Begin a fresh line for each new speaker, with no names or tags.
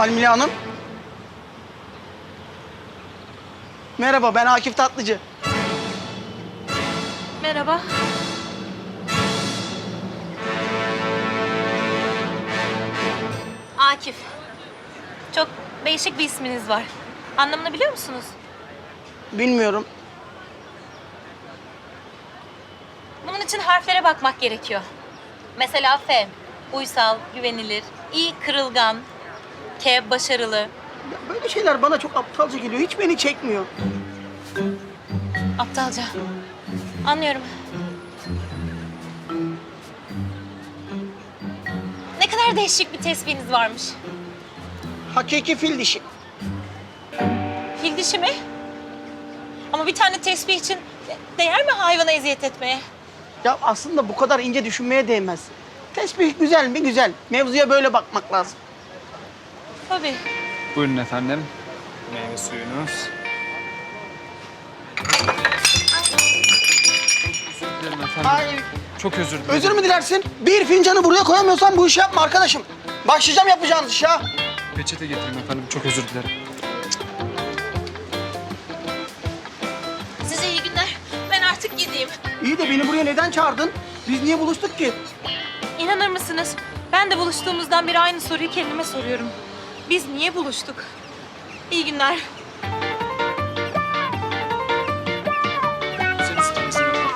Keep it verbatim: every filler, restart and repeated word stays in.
Almila Hanım. Merhaba, ben Akif Tatlıcı.
Merhaba. Akif. Çok değişik bir isminiz var. Anlamını biliyor musunuz?
Bilmiyorum.
Bunun için harflere bakmak gerekiyor. Mesela F, uysal, güvenilir. İ, kırılgan. K, başarılı.
Ya böyle şeyler bana çok aptalca geliyor. Hiç beni çekmiyor.
Aptalca. Anlıyorum. Ne kadar değişik bir tesbihiniz varmış.
Hakiki fil dişi.
Fil dişi mi? Ama bir tane tesbih için değer mi hayvana eziyet etmeye?
Ya aslında bu kadar ince düşünmeye değmez. Tesbih güzel mi? Güzel. Mevzuya böyle bakmak lazım.
Tabii.
Buyurun efendim. Meyve suyunuz. Özür dilerim efendim.
Hayır.
Çok özür dilerim.
Özür mü dilersin? Bir fincanı buraya koyamıyorsan bu işi yapma arkadaşım. Başlayacağım yapacağınız işe ha.
Peçete getireyim efendim. Çok özür dilerim.
Size iyi günler. Ben artık gideyim.
İyi de beni buraya neden çağırdın? Biz niye buluştuk ki?
İnanır mısınız? Ben de buluştuğumuzdan beri aynı soruyu kendime soruyorum. Biz niye buluştuk? İyi günler.